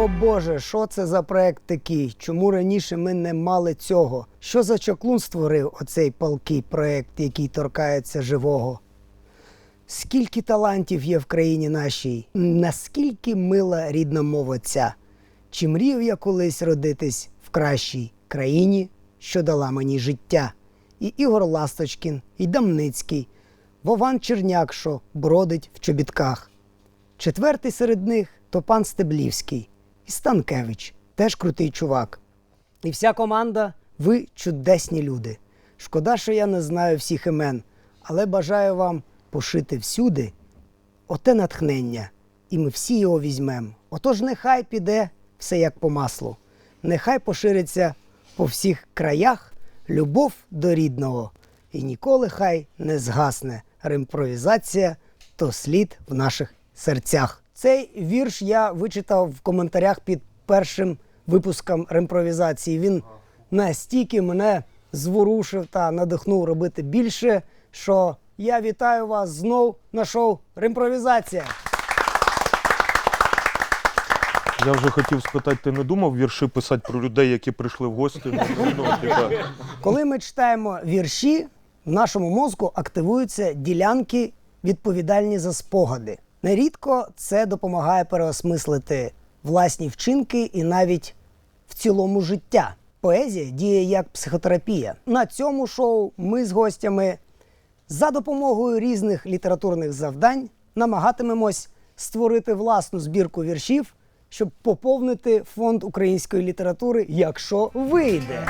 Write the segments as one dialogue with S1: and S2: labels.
S1: О Боже, що це за проект такий? Чому раніше ми не мали цього? Що за чаклун створив оцей палкий проект, який торкається живого? Скільки талантів є в країні нашій? Наскільки мила рідна мова ця? Чи мріяв я колись родитись в кращій країні, що дала мені життя? І Ігор Ласточкін, і Дамницький, Вован Черняк, що бродить в чобітках. Четвертий серед них то пан Стеблівський. І Станкевич, теж крутий чувак. І вся команда, ви чудесні люди. Шкода, що я не знаю всіх імен, але бажаю вам пошити всюди оте натхнення, і ми всі його візьмемо. Отож нехай піде все як по маслу. Нехай пошириться по всіх краях любов до рідного. І ніколи хай не згасне римпровізація, то слід в наших серцях. Цей вірш я вичитав в коментарях під першим випуском римпровізації. Він настільки мене зворушив та надихнув робити більше, що я вітаю вас знов на шоу «Римпровізація».
S2: Я вже хотів спитати, ти не думав вірші писати про людей, які прийшли в гості?
S1: Коли ми читаємо вірші, в нашому мозку активуються ділянки, відповідальні за спогади. Нерідко це допомагає переосмислити власні вчинки і навіть в цілому життя. Поезія діє як психотерапія. На цьому шоу ми з гостями за допомогою різних літературних завдань намагатимемось створити власну збірку віршів, щоб поповнити фонд української літератури, якщо вийде.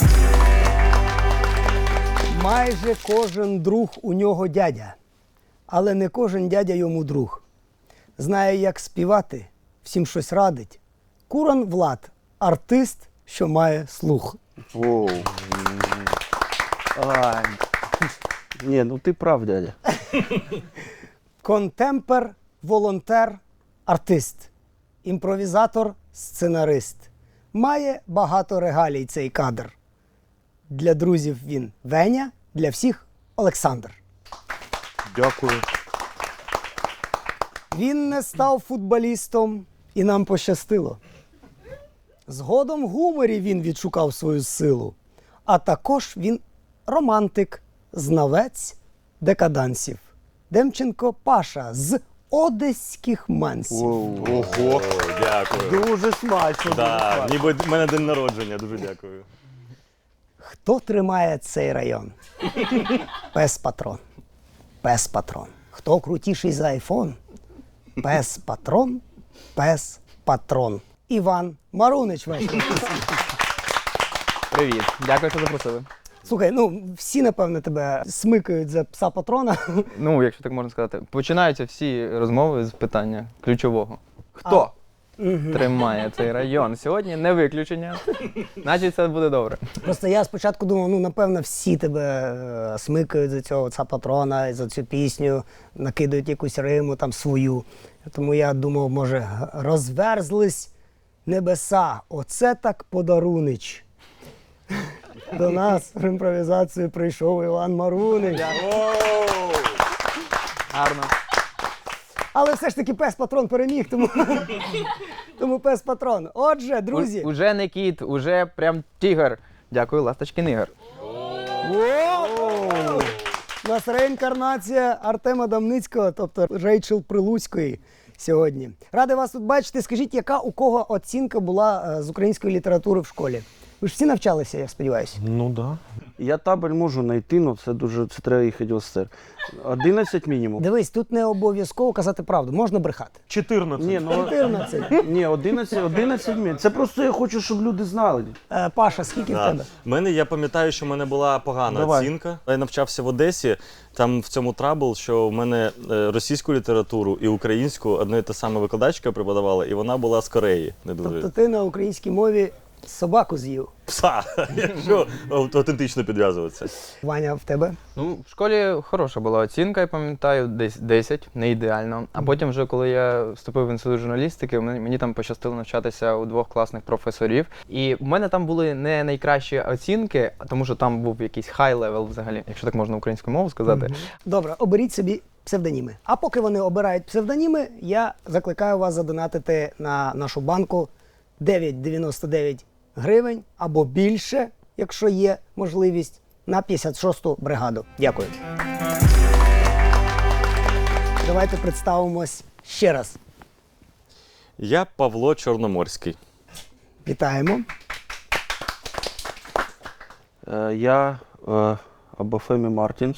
S1: Майже кожен друг у нього дядя, але не кожен дядя йому друг. Знає, як співати, всім щось радить. Куран Влад – артист, що має слух.
S3: Воу. Ні, ну ти прав, дядя.
S1: Контемпер, волонтер, артист. Імпровізатор, сценарист. Має багато регалій цей кадр. Для друзів він Веня, для всіх Олександр.
S2: Дякую.
S1: Він не став футболістом, і нам пощастило. Згодом в гуморі він відшукав свою силу. А також він романтик, знавець декадансів. Демченко Паша з одеських мансів.
S2: Ого.
S4: Дякую.
S3: Дуже смачно.
S4: Да, ніби в мене день народження, дуже дякую.
S1: Хто тримає цей район? Пес-патрон. Пес-патрон. Хто крутіший за айфон? Пес-патрон. Пес-патрон. Іван Марунич ваш.
S5: Привіт, дякую, що запросили.
S1: Слухай, ну всі, напевно, тебе смикають за пса-патрона.
S5: Ну, якщо так можна сказати, починаються всі розмови з питання ключового. Хто тримає цей район? Сьогодні не виключення, значить все буде добре.
S1: Просто я спочатку думав, ну, напевно, всі тебе смикають за цього пса-патрона, за цю пісню, накидають якусь риму там свою. Тому я думав, може, розверзлись небеса. Оце так подарунич. До нас в імпровізацію прийшов Іван Марунич.
S5: Гарно.
S1: Але все ж таки пес-патрон переміг, тому пес-патрон. Отже, друзі.
S5: Уже не кіт, уже прям тігр. Дякую, Ласточкин Ігор.
S1: У нас реінкарнація Артема Дамницького, тобто Рейчел Прилуцької сьогодні. Радий вас тут бачити. Скажіть, яка у кого оцінка була з української літератури в школі? Ви ж всі навчалися, я сподіваюся.
S2: Ну да.
S3: Я табель можу знайти, але це треба їхати в ОСТР. 11 мінімум.
S1: Дивись, тут не обов'язково казати правду, можна брехати.
S2: 14.
S3: Ні, ну,
S1: 14.
S3: ні, 11 мінімум. Це просто я хочу, щоб люди знали.
S1: Паша, скільки в тебе?
S4: Я пам'ятаю, що в мене була погана
S3: Давай.
S4: оцінка. Я навчався в Одесі, там в цьому трабл, що в мене російську літературу і українську одна і та сама викладачка преподавала, і вона була з Кореї. Не дуже.
S1: Тобто ти на українській мові собаку з'їв.
S4: Пса, якщо автентично підв'язуватися.
S1: Ваня, в тебе?
S5: Ну, в школі хороша була оцінка, я пам'ятаю, десь 10, не ідеально. А потім вже, коли я вступив в інститут журналістики, мені там пощастило навчатися у 2 класних професорів. І в мене там були не найкращі оцінки, тому що там був якийсь хай-левел взагалі, якщо так можна українською мовою сказати.
S1: Добре, оберіть собі псевдоніми. А поки вони обирають псевдоніми, я закликаю вас задонатити на нашу банку 999 гривень або більше, якщо є можливість, на 56-ту бригаду. Дякую. Давайте представимось ще раз.
S4: Я Павло Чорноморський.
S1: Вітаємо.
S3: Я Абафемі Мартінс.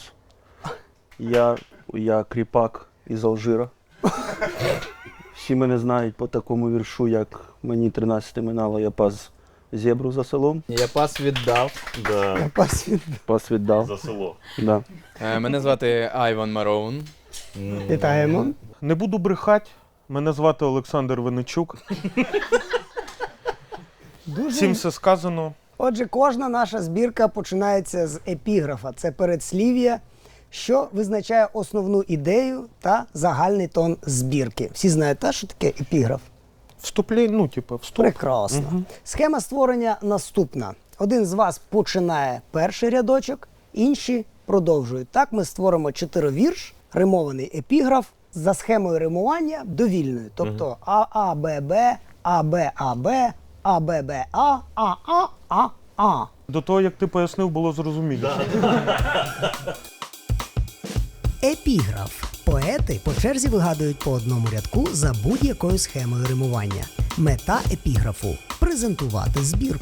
S3: Я кріпак із Алжира. Всі мене знають по такому віршу, як мені 13 минало, я пас зебру за селом.
S5: Я пас віддав.
S4: Да.
S3: Пас віддав.
S4: За село.
S3: Да.
S5: Мене звати Айван Мароун.
S1: Вітаємо.
S2: Не буду брехати. Мене звати Олександр Винничук. Всім все сказано.
S1: Отже, кожна наша збірка починається з епіграфа. Це передслів'я, що визначає основну ідею та загальний тон збірки. Всі знають, та, що таке епіграф?
S2: Вступлення, вступ.
S1: Прекрасно. Схема створення наступна. Один з вас починає перший рядочок, інші продовжують. Так ми створимо 4-вірш, римований епіграф за схемою римування довільною. Тобто ААББ, АБАБ, АББА, АААА.
S2: До того, як ти пояснив, було зрозуміло.
S1: Епіграф. Поети по черзі вигадують по одному рядку за будь-якою схемою римування. Мета епіграфу – презентувати збірку.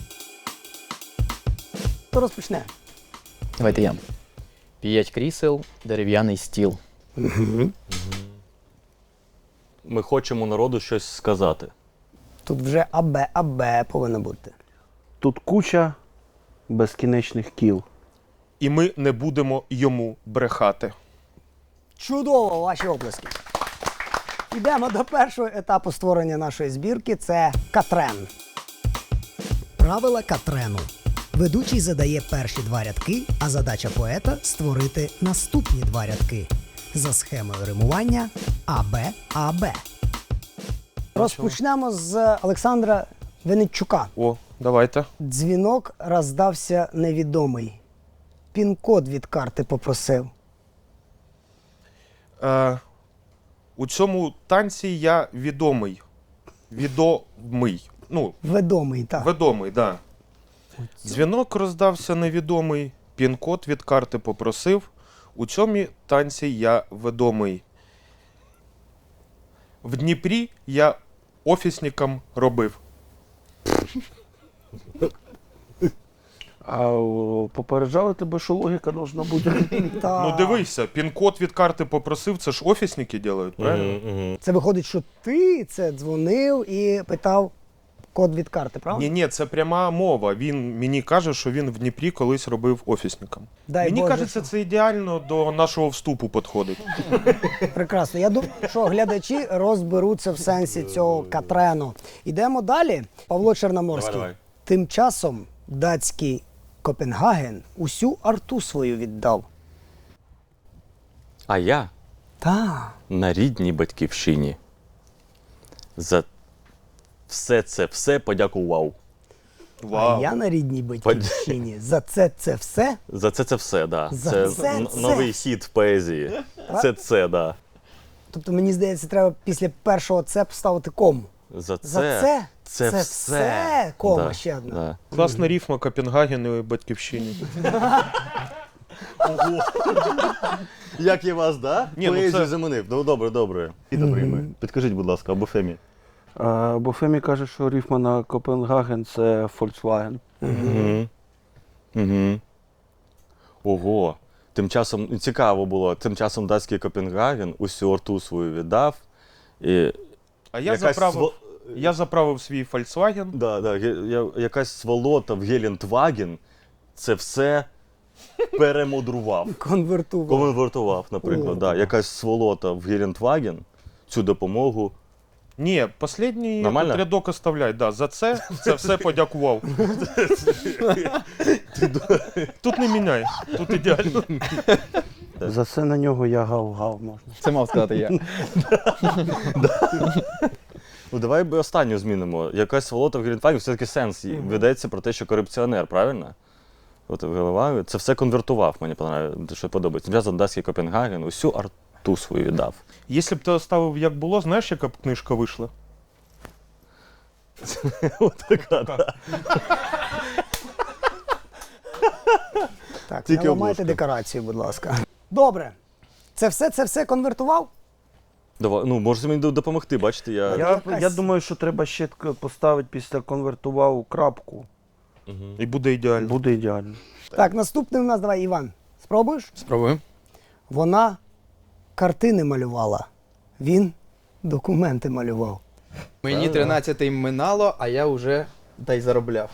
S1: Хто розпочне?
S5: Давайте я. 5 крісел, дерев'яний стіл.
S4: Ми хочемо народу щось сказати.
S1: Тут вже АБ повинно бути.
S3: Тут куча безкінечних кіл.
S2: І ми не будемо йому брехати.
S1: Чудово, ваші оплески. Йдемо до першого етапу створення нашої збірки – це Катрен. Правила Катрену. Ведучий задає перші 2 рядки, а задача поета – створити наступні 2 рядки. За схемою римування АБ-АБ. Розпочнемо з Олександра Винничука.
S2: О, давайте.
S1: Дзвінок роздався невідомий. Пін-код від карти попросив.
S2: У цьому танці я відомий. Відомий.
S1: Ведомий, так.
S2: Відомий, так. Да. Дзвінок роздався невідомий, пін-код від карти попросив. У цьому танці я відомий. В Дніпрі я офісником робив.
S3: Попереджали тебе, що логіка должна бути.
S1: Та.
S2: Ну дивися, пін-код від карти попросив, це ж офісники роблять, правильно?
S1: Це виходить, що ти це дзвонив і питав код від карти, правда?
S2: Ні, це пряма мова. Він мені каже, що він в Дніпрі колись робив офісником.
S1: Дай
S2: Мені
S1: Боже,
S2: кажеться, це ідеально до нашого вступу підходить.
S1: Прекрасно. Я думаю, що глядачі розберуться в сенсі цього Катрену. Ідемо далі. Павло Чорноморський.
S4: Давай.
S1: Тим часом датський Копенгаген усю арту свою віддав.
S4: А я
S1: Та.
S4: на рідній батьківщині. За все подякував.
S1: А я на рідній батьківщині. За це все.
S4: За це все, да.
S1: За це.
S4: Новий хід в поезії. Це, да.
S1: Тобто, мені здається, треба після першого це поставити кому.
S4: За
S1: Це все. Кома,
S4: Да,
S1: ще одна.
S4: да.
S2: Класна рифма Копенгаген і батьківщині.
S4: Як я вас, да?
S2: Ні, ну
S4: Поезію
S2: це-
S4: заманив. Ну добре. І добре. Підкажіть, будь ласка, або Фемі.
S3: Бо Фемі каже, що рифма на Копенгаген – це Volkswagen.
S4: Угу. Ого. Тим часом цікаво було. Тим часом датський Копенгаген усю арту свою віддав. І
S2: А я
S4: якась
S2: Я заправив свій Volkswagen.
S4: Да, якась сволота в Гелендваген це все перемудрував. Конвертував, наприклад. Да. Якась сволота в Гелендваген цю допомогу.
S2: Ні, останній
S4: Нормально?
S2: рядок оставляй. Да, за це все подякував. Тут не міняй, тут ідеально.
S3: За це на нього я гав-гав можна.
S5: Це мав сказати я.
S4: Ну давай останню змінимо. Якась сволота в Гелендваген, все-таки сенс ведеться про те, що корупціонер, правильно? От голова, це все конвертував, мені що подобається. Тим часом датський Копенгаген усю арту свою віддав.
S2: Якщо б ти оставив як було, знаєш, яка б книжка вийшла?
S4: Отака, да.
S1: Так,
S4: Тільки
S1: не ламайте
S4: обложка.
S1: декорацію, будь ласка. Добре. Це все конвертував?
S4: Давай, ну, можете мені допомогти, бачите, я...
S3: Я думаю, що треба ще поставити після конвертував крапку.
S2: І буде ідеально.
S3: Буде ідеально.
S1: Так, наступний у нас, давай, Іван. Спробуєш?
S5: Спробуємо.
S1: Вона картини малювала. Він документи малював.
S5: Мені 13-й минало, а я вже дай заробляв.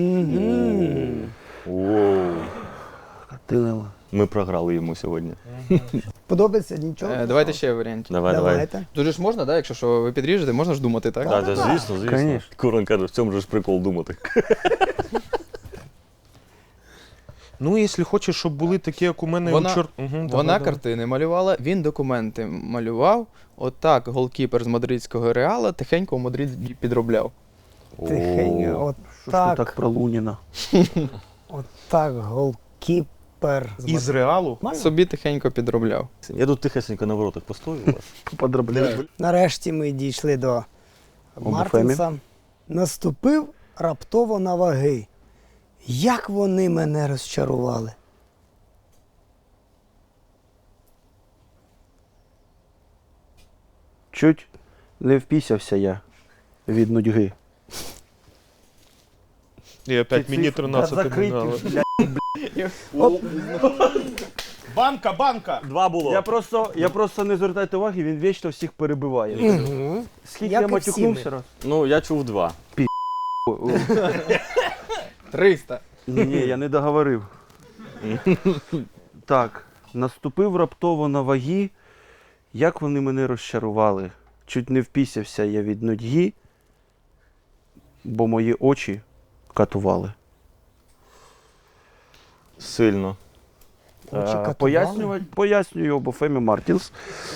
S4: Воу.
S3: Картинила.
S4: Ми програли йому сьогодні.
S1: Подобається нічого?
S5: Давайте ще варіант.
S4: Давай.
S1: Давайте.
S5: Дуже ж можна, да? Якщо що ви підріжете, можна ж думати, так?
S4: Так, звісно.
S3: Конечно.
S4: Куран каже, в цьому ж прикол думати.
S2: Ну, якщо хочеш, щоб були такі, як у мене
S5: Вона-
S2: Мгм,
S5: Вона
S2: давай.
S5: картини малювала, він документи малював. Отак голкіпер з мадридського Реала тихенько у Мадриді підробляв.
S1: Тихенько. От
S3: Що ж ти
S1: так,
S3: так про Луніна?
S1: от так, голкіпер.
S2: Із Реалу?
S5: Собі тихенько підробляв.
S4: Я тут тихесенько на воротах постою у вас.
S3: Подробляю.
S1: Нарешті ми дійшли до
S3: Обофемі.
S1: Мартінса. Наступив раптово на ваги. Як вони мене розчарували.
S3: Чуть не впісявся я від нудьги.
S2: І опять мені 13 минало. Банка!
S4: 2 було.
S3: Я просто не звертайте уваги, він вічно всіх перебиває.
S1: Угу.
S3: Скільки
S1: Як
S3: я
S1: і всі
S3: матюкнувся
S1: ми.
S3: раз?
S4: Ну, я чув 2.
S5: 300.
S3: Ні, я не договорив. Так, наступив раптово на ваги. Як вони мене розчарували. Чуть не впісявся я від нудьги, бо мої очі катували.
S4: Сильно.
S1: Очі катували?
S3: Пояснюю Обофемі Мартінс.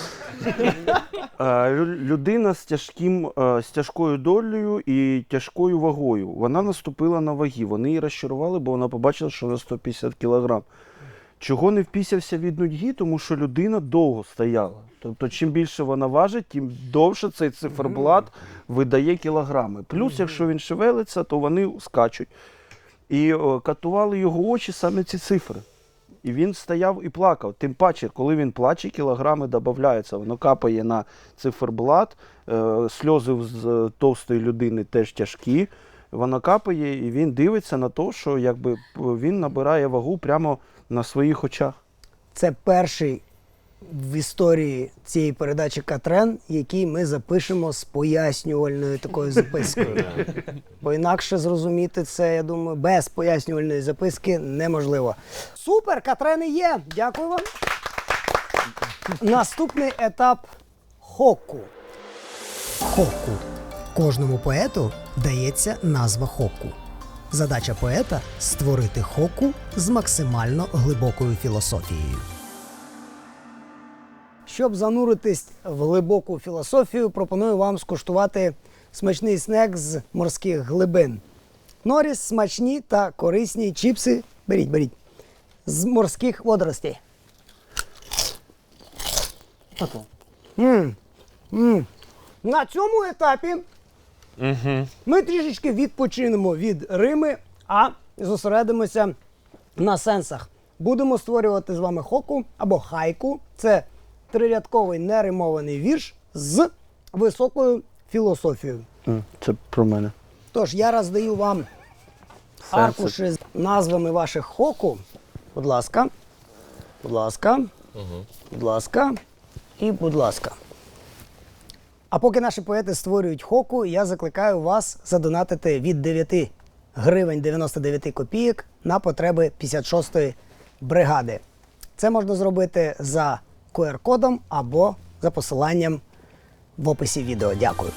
S3: Людина з тяжкою долею і тяжкою вагою. Вона наступила на ваги. Вони її розчарували, бо вона побачила, що вона 150 кг. Чого не впісявся від нудьги? Тому що людина довго стояла. Тобто, чим більше вона важить, тим довше цей циферблат видає кілограми. Плюс, якщо він шевелиться, то вони скачуть. І катували його очі саме ці цифри. І він стояв і плакав. Тим паче, коли він плаче, кілограми додаються. Воно капає на циферблат, сльози з товстої людини теж тяжкі. Воно капає, і він дивиться на те, що якби він набирає вагу прямо на своїх очах.
S1: Це перший в історії цієї передачі Катрен, який ми запишемо з пояснювальною такою запискою. Бо інакше зрозуміти це, я думаю, без пояснювальної записки неможливо. Супер, Катрени є! Дякую вам. Наступний етап хоку. Хоку. Кожному поету дається назва хоку. Задача поета – створити хоку з максимально глибокою філософією. Щоб зануритись в глибоку філософію, пропоную вам скуштувати смачний снек з морських глибин. Норіс, смачні та корисні чіпси. Беріть. З морських водоростей. На цьому етапі ми трішечки відпочинемо від Рими, а зосередимося на сенсах. Будемо створювати з вами хоку або хайку. Це трирядковий неримований вірш з високою філософією.
S3: Це про мене.
S1: Тож, я роздаю вам аркуші з назвами ваших хоку. Будь ласка. Будь ласка. Будь ласка. І будь ласка. А поки наші поети створюють хоку, я закликаю вас задонатити від 9 гривень 99 копійок на потреби 56-ї бригади. Це можна зробити за QR-кодом або за посиланням в описі відео. Дякую.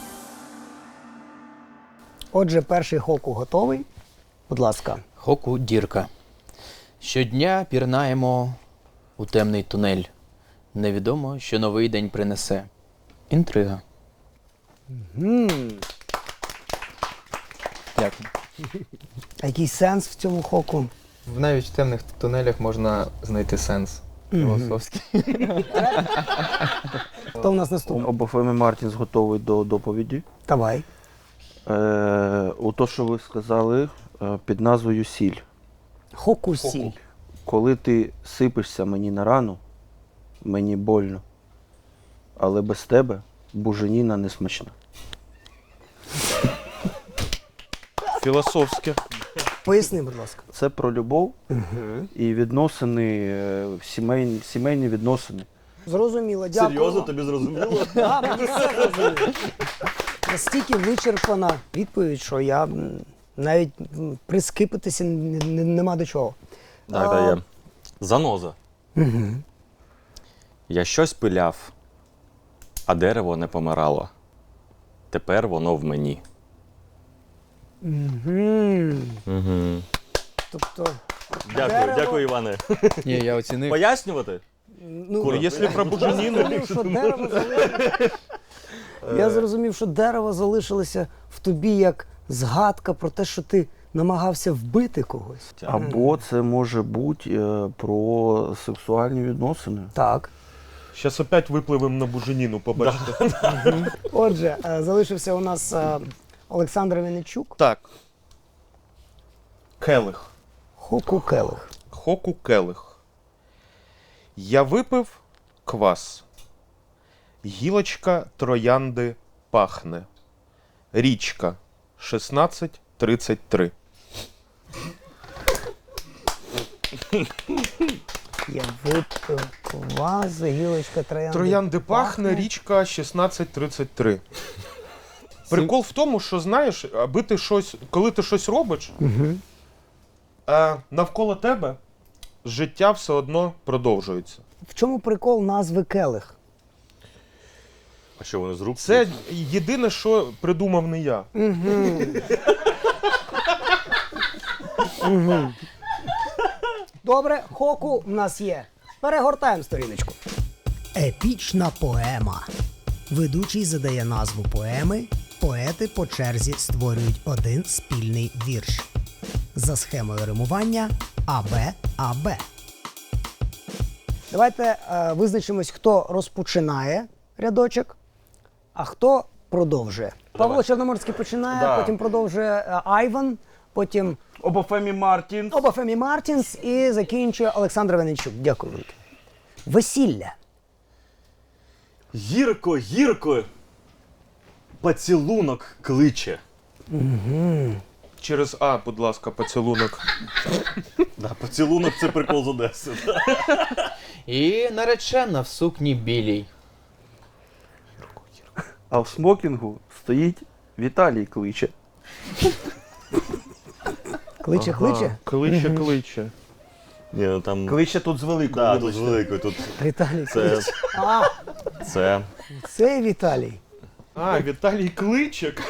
S1: Отже, перший хоку готовий. Будь ласка.
S5: Хоку дірка. Щодня пірнаємо у темний тунель. Невідомо, що новий день принесе. Інтрига. Дякую.
S1: А який сенс в цьому хоку?
S5: Навіть в темних тунелях можна знайти сенс філософський.
S1: Хто в нас наступний?
S3: Обофемі Мартінс готовий до доповіді.
S1: Давай.
S3: У то, що ви сказали, під назвою сіль.
S1: Хокусіль.
S3: Коли ти сипишся мені на рану, мені больно. Але без тебе буженіна не смачна.
S2: Філософське.
S1: Поясни, будь ласка.
S3: Це про любов і відносини, сімейні відносини.
S1: Зрозуміло, дякую.
S4: Серйозно, тобі зрозуміло?
S1: Так, мені все зрозуміло. Настільки вичерпана відповідь, що я навіть прискипитися нема до чого.
S4: Так, є. Заноза. Я щось пиляв, а дерево не помирало. Тепер воно в мені. Угу.
S1: Тобто,
S4: Дякую,
S1: Дерево.
S4: дякую, Іване.
S5: Ні, я оцінив.
S4: Пояснювати?
S1: ну,
S2: Якщо про буженіну,
S1: зрозумів, що дерево залишилося. Я зрозумів, що дерево залишилося в тобі як згадка про те, що ти намагався вбити когось.
S3: Або це може бути про сексуальні відносини.
S1: Так.
S2: Зараз опять випливемо на буженіну, побачите.
S1: Отже, залишився у нас Олександр Винничук.
S2: Так. Келих.
S1: Хоку Келих.
S2: Хоку келих. Я випив квас. Гілочка троянди пахне. Річка 1633.
S1: Я випив квас, гілочка троянди.
S2: Троянди пахне, річка 1633. Прикол в тому, що знаєш, аби ти щось, коли ти щось робиш, навколо тебе життя все одно продовжується.
S1: В чому прикол назви Келих?
S4: А що вони з рук?
S2: Це єдине, що придумав не я.
S1: Добре, хоку в нас є. Перегортаємо сторіночку. Епічна поема. Ведучий задає назву поеми. Поети по черзі створюють один спільний вірш. За схемою римування АБ-АБ. Давайте визначимось, хто розпочинає рядочок, а хто продовжує. Павло Чорноморський починає,
S3: Да.
S1: потім продовжує Айван, потім
S3: Обафемі Мартін.
S1: Обафемі Мартінс і закінчує Олександр Винничук. Дякую велике. Весілля.
S4: Гірко, гірко. Поцілунок кличе.
S2: Через А, будь ласка, поцілунок.
S4: Да, поцілунок це прикол з Одеси.
S5: І наречена в сукні білій.
S3: А в смокінгу стоїть Віталій кличе.
S1: Кличе, кличе.
S2: Кличе, кличе.
S4: Ні, ну там...
S3: Кличе тут з великою.
S4: Да, тут з великою, тут
S1: Віталій
S4: це...
S1: кличе. А,
S4: Це...
S1: це Віталій.
S2: А, Віталій Кличик.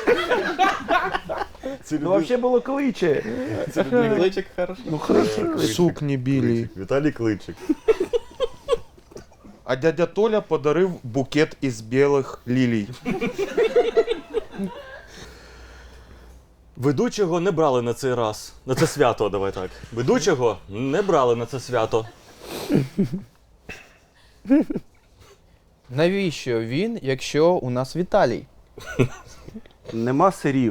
S3: Ну, взагалі було кличе.
S5: Кличик хороший.
S3: Ну, кличе.
S2: Сукні білі.
S4: Віталій Кличик.
S2: А дядя Толя подарив букет із білих лілій.
S4: Ведучого не брали на цей раз. На це свято, давай так. Ведучого не брали на це свято.
S5: Навіщо він, якщо у нас Віталій?
S3: Нема сирів.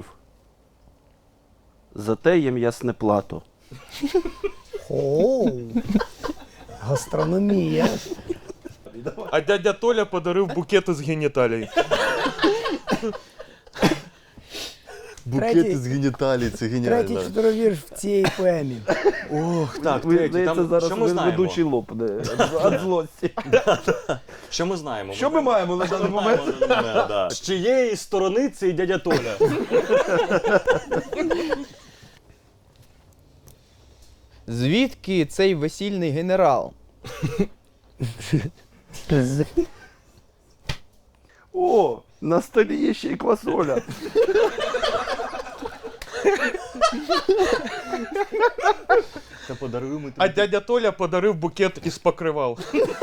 S3: Зате є м'ясне плато.
S1: Оу. Гастрономія.
S2: А дядя Толя подарив букет із геніталій.
S1: Третій-
S4: з геніталій, це
S1: Третій чотировірш в цій поемі.
S4: Ох, так,
S3: Ви,
S4: третій.
S3: здається,
S4: Там,
S3: зараз
S4: що ми знаємо?
S3: ведучий лопне від злості.
S4: Що ми знаємо?
S3: Що ми маємо на даний момент?
S4: Да. З чиєї сторони цей дядя Толя?
S5: Звідки цей весільний генерал?
S3: О, на столі є ще й квасоля.
S4: Та подаруємо
S2: А дядя Толя подарив букет із покривал.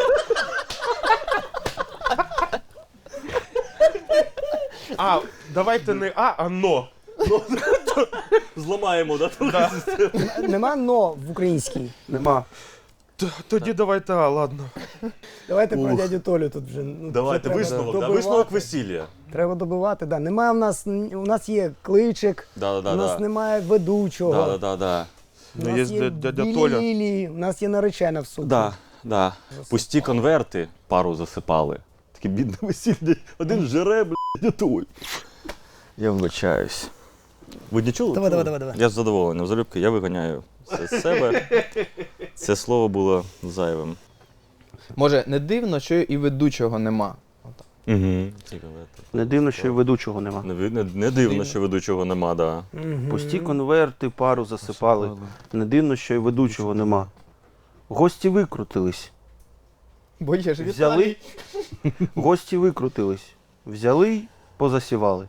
S2: А, давайте не А, а но.
S4: Зламаємо, да?
S1: Нема но в українській.
S3: Нема.
S2: Тоді давайте А, ладно.
S1: Давайте про
S4: Ух.
S1: дядю Толю тут вже. Ну,
S4: Давайте
S1: вже треба
S4: висновок, да,
S1: добивати.
S4: висновок весілля.
S1: Треба добивати, да. Немає у нас є кличик, у нас немає ведучого.
S4: Да.
S1: У
S2: Ну,
S1: нас
S2: є
S1: є
S2: дядя
S1: білі
S2: Толя.
S1: лілії, у нас є наречена в суді.
S4: Да. Пусті конверти пару засипали. Таке бідне весілля. Один жере, блядь, той. Я вибачаюсь. Ви не чули?
S1: Давай.
S4: Я з задоволенням. Залюбки, я виганяю це з себе. Це слово було зайвим.
S5: Може, не дивно, що і ведучого нема.
S4: Угу.
S3: Не дивно, що і ведучого нема.
S4: Не дивно, що ведучого нема, да.
S3: Пусті конверти, пару засипали. Не дивно, що і ведучого нема. Гості викрутились.
S5: Бо є ж
S3: Взяли. Гості викрутились. Взяли, позасівали.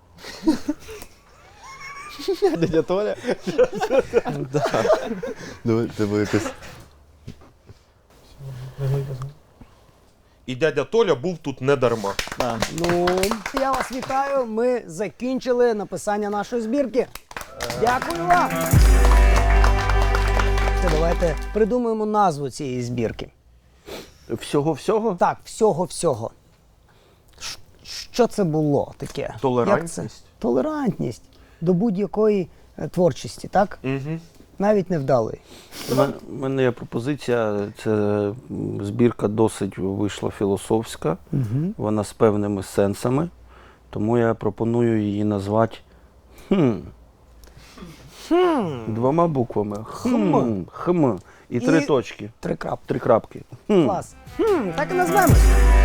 S5: дядя Толя.
S4: Давай, тебе якось.
S2: І дядя Толя був тут не дарма.
S1: Ну, я вас вітаю. Ми закінчили написання нашої збірки. Дякую вам. Це давайте придумаємо назву цієї збірки.
S3: Всього-всього?
S1: Так, всього-всього. Що це було таке?
S3: Толерантність.
S1: Як це? Толерантність до будь-якої творчості, так?
S2: Угу.
S1: Навіть невдалої.
S3: У мене є пропозиція. Це збірка досить вийшла філософська. Вона з певними сенсами. Тому я пропоную її назвати двома буквами. Хм. І 3 точки.
S1: 3 крапки.
S3: 3 крапки.
S1: Клас. Так і назвемось.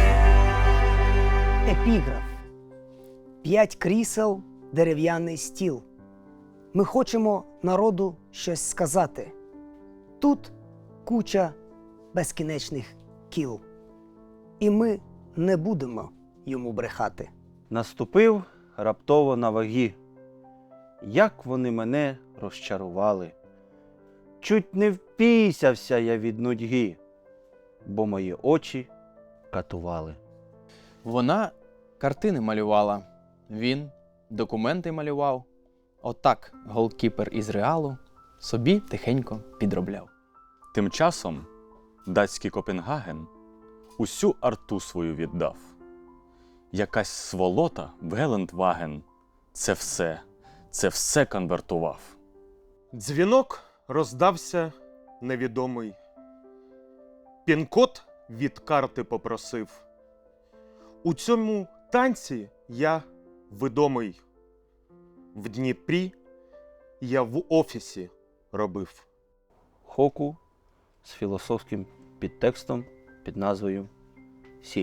S1: Епіграф. 5 крісел, дерев'яний стіл. Ми хочемо народу щось сказати. Тут куча безкінечних кіл. І ми не будемо йому брехати.
S3: Наступив раптово на ваги. Як вони мене розчарували. Чуть не впісявся я від нудьги, бо мої очі катували.
S5: Вона картини малювала, він документи малював. Отак голкіпер із Реалу собі тихенько підробляв.
S4: Тим часом датський Копенгаген усю арту свою віддав. Якась сволота в Гелендваген це все конвертував.
S2: Дзвінок роздався невідомий. Пін-код від карти попросив. У цьому танці я відомий. В Дніпрі я в офісі робив.
S3: Хоку з філософським підтекстом під назвою «Сіль».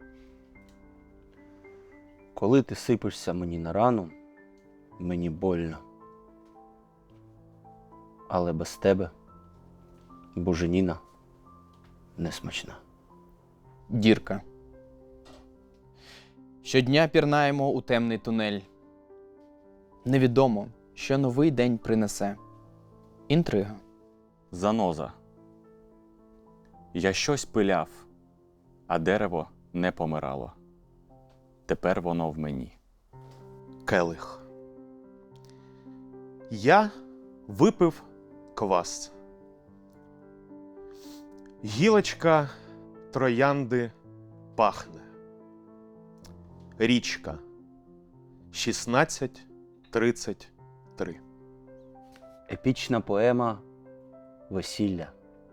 S3: Коли ти сипишся мені на рану, мені больно. Але без тебе буженіна несмачна.
S5: Дірка. Щодня пірнаємо у темний тунель. Невідомо, що новий день принесе. Інтрига.
S4: Заноза. Я щось пиляв, а дерево не помирало. Тепер воно в мені.
S2: Келих. Я випив квас. Гілочка троянди пахне. Річка. 16:33.
S3: Епічна поема «Весілля».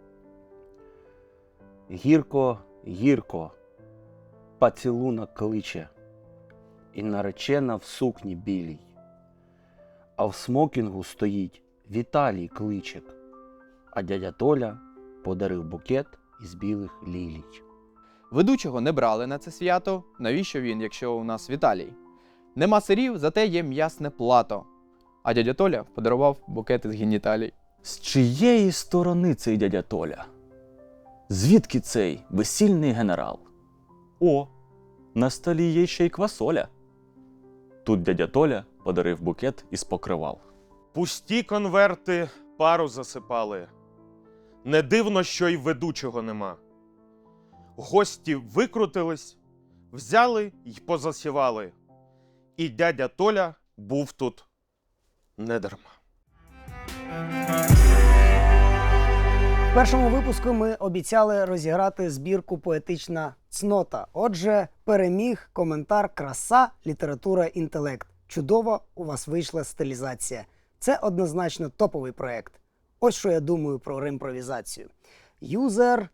S3: Гірко, гірко, поцілунок кличе, і наречена в сукні білій, а в смокінгу стоїть Віталій кличик, а дядя Толя подарив букет із білих лілій.
S5: Ведучого не брали на це свято. Навіщо він, якщо у нас Віталій? Нема сирів, зате є м'ясне плато. А дядя Толя подарував букет із геніталій.
S4: З чиєї сторони цей дядя Толя? Звідки цей весільний генерал? О, на столі є ще й квасоля. Тут дядя Толя подарив букет із покривал.
S2: Пусті конверти пару засипали. Не дивно, що й ведучого нема. Гості викрутились, взяли й позасівали. І дядя Толя був тут недарма.
S1: В першому випуску ми обіцяли розіграти збірку «Поетична цнота». Отже, переміг коментар «Краса, література, інтелект». Чудово у вас вийшла стилізація. Це однозначно топовий проєкт. Ось що я думаю про ремпровізацію. Юзер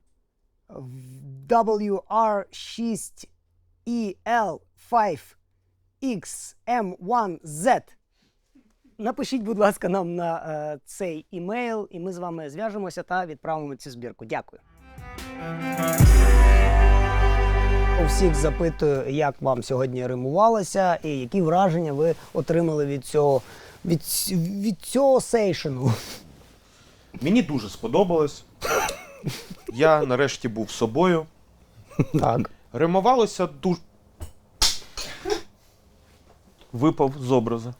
S1: WR6EL5XM1Z. Напишіть, будь ласка, нам на цей імейл, і ми з вами зв'яжемося та відправимо цю збірку. Дякую. У всіх запитую, як вам сьогодні римувалося і які враження ви отримали від цього сейшену.
S2: Мені дуже сподобалось. Я нарешті був собою.
S1: Так.
S2: Римувалося дуже.
S3: Випав з образу.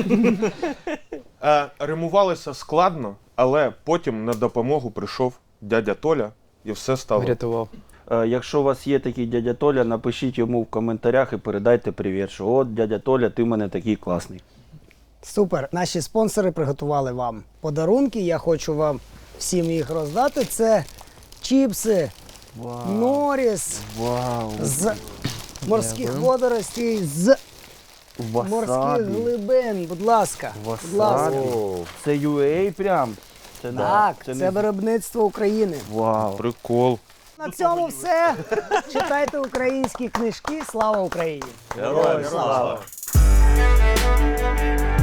S2: Римувалося складно, але потім на допомогу прийшов дядя Толя і все стало.
S5: Врятував.
S3: Якщо у вас є такий дядя Толя, напишіть йому в коментарях і передайте привіт, що от дядя Толя, ти в мене такий класний.
S1: Супер. Наші спонсори приготували вам подарунки. Я хочу вам всім їх роздати. Це чіпси Норіс
S3: Вау!
S1: з морських водоростей, з морських
S3: Васабі.
S1: глибин. Будь ласка. Будь ласка.
S3: Васабі. Це UA прям? Це,
S1: Так,
S3: да.
S1: це виробництво України.
S3: Вау!
S2: Прикол.
S1: На цьому все. Читайте українські книжки. Слава Україні!
S4: Героям слава!
S3: Слава!